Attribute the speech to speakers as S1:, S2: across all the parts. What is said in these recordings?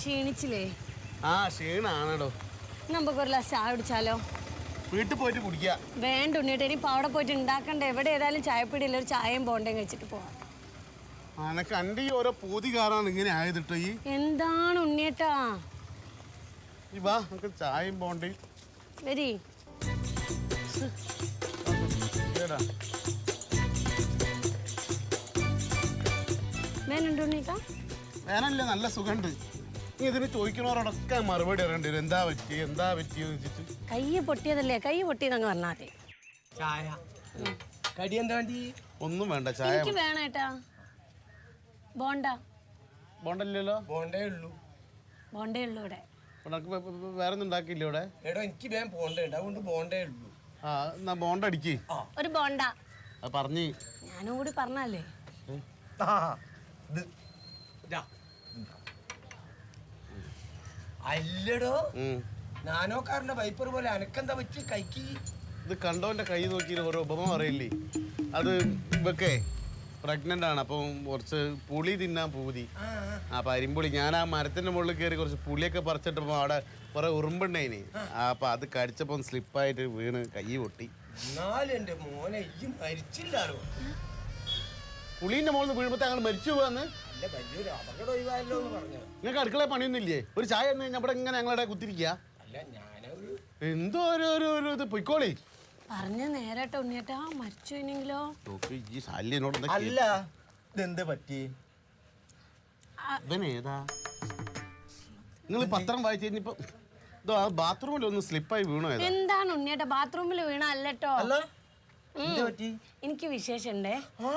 S1: ക്ഷീണിച്ചില്ലേ?
S2: ആ ക്ഷീണാണോ.
S1: നമുക്ക് ഒരു ഗ്ലാസ് ചായ കുടിച്ചാലോ?
S2: വീട്ടിൽ പോയിട്ട് കുടിക്കാം.
S1: വേണ്ട ഉണ്ണിയേട്ടാ, ഇനിയിപ്പോൾ അവിടെ പോയിട്ട് ഉണ്ടാക്കണ്ട. എവിടെ ഏതായാലും ചായപ്പിടിയില്ല, ഒരു ചായയും ബോണ്ടയും കഴിച്ചിട്ട് പോവാം.
S2: അനക്ക് എൻ്റെ ഈ ഓരോ പൂതി കാറാണ് ഇങ്ങനെ ആയതിട്ടോ. ഈ
S1: എന്താണ് ഉണ്ണിയേട്ടാ?
S2: ഈ വാ നമുക്ക് ചായയും ബോണ്ടയും
S1: വരി. വേനുണ്ട് ഉണ്ണിയേട്ടാ?
S2: വേനല്ലേ, നല്ല സുഖമുണ്ട്. നീ ഇതിന് ചോദിക്കണവരോടൊക്കെ മറുപടി അറിയേണ്ടി വരും. എന്താ പറ്റിയെന്ന് വെച്ചിട്ട്.
S1: കൈ പൊട്ടിയതല്ലേ, കൈ പൊട്ടിയതങ്ങ് പറഞ്ഞാൽ മതി.
S3: ചായ കടി എന്താ വേണ്ടി?
S2: ഒന്നും വേണ്ട, ചായ
S1: എനിക്ക് വേണേട്ടാ. ബോണ്ട.
S2: ബോണ്ടല്ലോ.
S3: പോണ്ടേ ഉള്ളൂ.
S1: ബോണ്ടേ ഉള്ളൂ ഇവിടെ.
S2: വേറെ ഒന്നും ഉണ്ടാക്കിയില്ല ഇവിടെ.
S3: എടോ എനിക്ക് വേഗം പോണ്ടേ, അതുകൊണ്ട് പോണ്ടേ ഉള്ളൂ.
S2: ആ എന്നാ ബോണ്ട അടിക്ക്.
S1: ഒരു ബോണ്ട.
S2: അത് പറഞ്ഞ്
S1: ഞാനും കൂടി പറഞ്ഞല്ലേ.
S3: അല്ലടോ, നാനോക്കാരന്റെ വൈപ്പർ പോലെ അനക്കെന്താ പറ്റി കൈക്ക്?
S2: ഇത് കണ്ടോന്റെ കൈ നോക്കി ഓരോ ഉപമ പറയില്ലേ. അത് ഇവക്കെ പ്രഗ്നന്റ് ആണ്, അപ്പം കുറച്ച് പുളി തിന്നാൻ പൂതി. അപ്പൊ അരിമ്പുളി ഞാൻ ആ മരത്തിന്റെ മുകളിൽ കയറി കുറച്ച് പുളിയൊക്കെ പറിച്ചിട്ടപ്പോ അവിടെ കുറെ ഉറുമ്പുണ്ടായിന്. അപ്പൊ അത് കടിച്ചപ്പോ സ്ലിപ്പായിട്ട് വീണ് കൈ പൊട്ടി.
S3: എന്നാലും എന്റെ മോനെ ഈ മരിച്ചില്ലാലോ.
S2: പുളീന്റെ മുകളിൽ വീഴുമ്പോ ഞങ്ങൾ മരിച്ചു പോവാന്ന്.
S3: അല്ല, വലിയൊരു അപകടം ഒഴിവായല്ലോ എന്ന് പറഞ്ഞു.
S2: നിങ്ങൾക്ക് അടുക്കള പണിയൊന്നും ഇല്ലേ? ഒരു ചായ എന്ന് കഴിഞ്ഞാൽ ഇവിടെ ഇങ്ങനെ ഞങ്ങളുടെ കുത്തിരിക്കുക.
S3: അല്ല, ഞാനൊരു
S2: എന്തോ ഒരു ഇത് പൊയ്ക്കോളി.
S1: പറഞ്ഞ നേരട്ടോ ഉണ്ണിയേട്ടാ, മരിച്ചു കഴിഞ്ഞെങ്കിലോ?
S2: ഈ ശല്യനോട്
S3: അല്ല, ഇതെന്താ പറ്റി?
S2: ഇവനേതാ? നിങ്ങൾ പത്രം വായിച്ചു കഴിഞ്ഞപ്പോ ഇതോ ആ ബാത്റൂമിൽ ഒന്ന് സ്ലിപ്പായി വീണോ?
S1: എന്താണ് ഉണ്ണിയേട്ടാ, ബാത്റൂമിൽ വീണ അല്ലട്ടോ. എനിക്ക് വിശേഷണ്ടേ.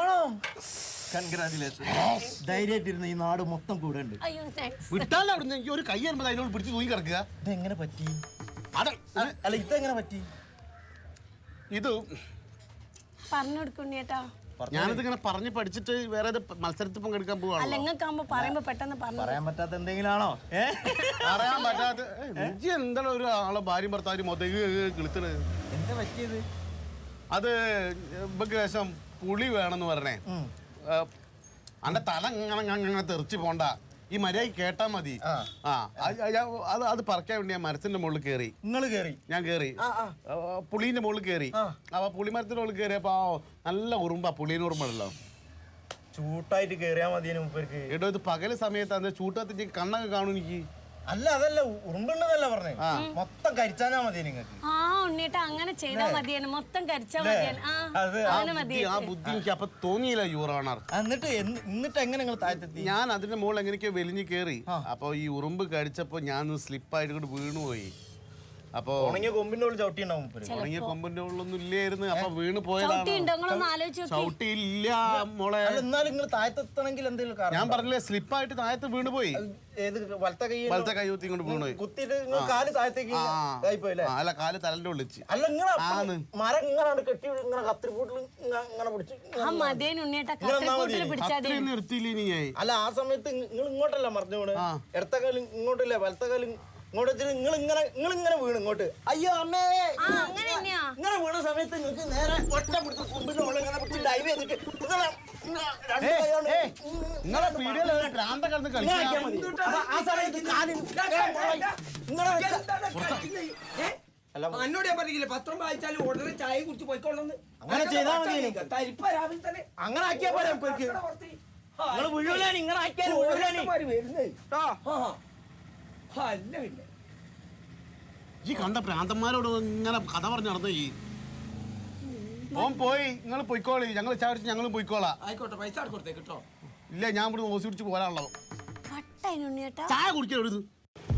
S3: ധൈര്യമായിട്ടിരുന്ന ഈ നാട് മൊത്തം കൂടെ ഉണ്ട്.
S1: അയ്യോ താങ്ക്സ്.
S2: വിട്ടാലോ അവിടുന്ന്. എനിക്ക് ഒരു കൈ വരുമ്പോൾ അതിനോട് പിടിച്ച് തൂങ്ങി കിടക്കുക.
S3: ഇതെങ്ങനെ പറ്റി?
S2: അല്ല
S3: ഇതെങ്ങനെ പറ്റി?
S2: ഇത്
S1: പറഞ്ഞു കൊടുക്കും ഉണ്ണിയേട്ടാ.
S2: ഞാനിത് ഇങ്ങനെ പറഞ്ഞ് പഠിച്ചിട്ട് വേറെ മത്സരത്തിൽ പങ്കെടുക്കാൻ പോവാണ്.
S1: അല്ല, നിങ്ങൾക്കാകുമ്പോ പറയുമ്പോ പെട്ടെന്ന്
S3: പറയാൻ പറ്റാത്ത എന്തെങ്കിലും ആണോ?
S2: പറയാൻ പറ്റാത്ത എന്താണ് ഒരു ആളെ ഭാര്യ ഭർത്താവ് മൊത്തം കിളുത്തത്?
S3: എന്താ പറ്റിയത്?
S2: അത് ഇവക്ക് ശേഷം പുളി വേണമെന്ന് പറഞ്ഞേ. അന്റെ തല അങ്ങനെ തെറിച്ച് പോണ്ട, ഈ മര്യാദ കേട്ടാ മതി. അത് പറിക്കാൻ വേണ്ടി ഞാൻ മരത്തിന്റെ മുകളിൽ കയറി. ഞാൻ കയറി പുളീന്റെ മുകളിൽ കയറി. അപ്പൊ പുളിമരത്തിന്റെ മുകളിൽ കയറിയപ്പോ നല്ല ഉറുമ്പാ, പുളീന് ഉറുമ്പുണ്ടല്ലോ.
S3: ചൂട്ടായിട്ട് കേറിയാ മതി.
S2: എടോ, ഇത് പകല് സമയത്ത് ചൂട്ടത്തി കണ്ണൊക്കെ കാണും എനിക്ക്.
S3: അല്ല, അതല്ല, ഉറുമ്പുണ്ടെന്നല്ല പറഞ്ഞേ. മൊത്തം കരിച്ചാനാ മതി നിങ്ങൾക്ക്.
S1: ആ ഉണ്ണിയേട്ടാ, അങ്ങനെ ചെയ്താൽ മതിയാണ്. മൊത്തം കരിച്ചാ മതിയാണ്.
S2: ആ ബുദ്ധി എനിക്ക് അപ്പൊ തോന്നിയില്ല യുവർ.
S3: എന്നിട്ട് എങ്ങനെ നിങ്ങൾ താഴ്ത്തെത്തി?
S2: ഞാൻ അതിന്റെ മുകളിൽ എങ്ങനെയൊക്കെ വലിഞ്ഞ് കയറി. അപ്പൊ ഈ ഉറുമ്പ് കടിച്ചപ്പോ ഞാൻ സ്ലിപ്പായിട്ട് കൂടെ വീണുപോയി. അപ്പൊ
S3: ഉണങ്ങിയ കൊമ്പിന്റെ ഉള്ളിൽ ചവിട്ടിണ്ടാവും.
S2: ഉണങ്ങിയ കൊമ്പിന്റെ ഉള്ളിലൊന്നും ഇല്ലായിരുന്നു. അപ്പൊ വീണ് പോയതാണ്. ചവിട്ടിയില്ല മോളെ.
S3: എന്നാലും നിങ്ങൾ താഴത്തെത്തണമെങ്കിൽ എന്തെങ്കിലും
S2: ഞാൻ പറഞ്ഞില്ലേ, സ്ലിപ്പായിട്ട് താഴത്ത് വീണ് പോയി. വലത്തെ കൈ കുത്തി ഇങ്ങോട്ട് വീണ് പോയി.
S3: കുത്തിയിട്ട് കാല് താഴത്തേക്ക്
S2: അല്ല, കാല് തലന്റെ ഉള്ളിച്ച്.
S3: അല്ല, ഇങ്ങനെ മരം ഇങ്ങനെ കെട്ടി ഇങ്ങനെ കത്തിരിപ്പൂട്ടിൽ ഇങ്ങനെ പിടിച്ച്
S2: നിർത്തിയില്ല.
S3: അല്ല, ആ സമയത്ത് നിങ്ങൾ ഇങ്ങോട്ടല്ല മറിഞ്ഞോട്. ഇടത്ത കാലം ഇങ്ങോട്ടില്ല, വലത്തെ കാലം ഇങ്ങോട്ട് വെച്ചിട്ട് നിങ്ങളിങ്ങനെ വീണ് ഇങ്ങോട്ട്. അയ്യോ അമ്മേ, ഇങ്ങനെ വീണ സമയത്ത് നിങ്ങൾക്ക് നേരെ ഒറ്റ പിടിച്ച് കൊമ്പിന്റെ മുകളിൽ ഇങ്ങനെ പിടിച്ച് ഡൈവ് ചെയ്തിട്ട്
S4: എന്നോട് ഞാൻ പറഞ്ഞില്ലേ, പത്രം വായിച്ചാലും ഉടനെ ചായ കുടിച്ച് പോയിക്കോളന്ന്.
S3: അങ്ങനെ ചെയ്താൽ മതി.
S4: തരിപ്പ രാവിലെ തന്നെ
S3: അങ്ങനെ ആക്കിയാ പോരാ. നിങ്ങൾ വീഴൂലാണ്, ഇങ്ങനെ ആക്കിയാൽ
S4: വരുന്നേ. അല്ല, പിന്നെ
S2: ഈ കണ്ട പ്രാന്തന്മാരോട് ഇങ്ങനെ കഥ പറഞ്ഞു നടന്ന ഈ ഓൻ പോയി. നിങ്ങൾ പൊയ്ക്കോളി, ഞങ്ങൾ ചാടിച്ച് ഞങ്ങളും പൊയ്ക്കോളാം.
S4: ആയിക്കോട്ടെ, പൈസ കൊടുത്തേ കേട്ടോ.
S2: ഇല്ല, ഞാൻ ഇവിടെ ഓസി പിടിച്ച് പോരാനുള്ളത്.
S1: ചായ
S2: ചായ കുടിക്കരുത്.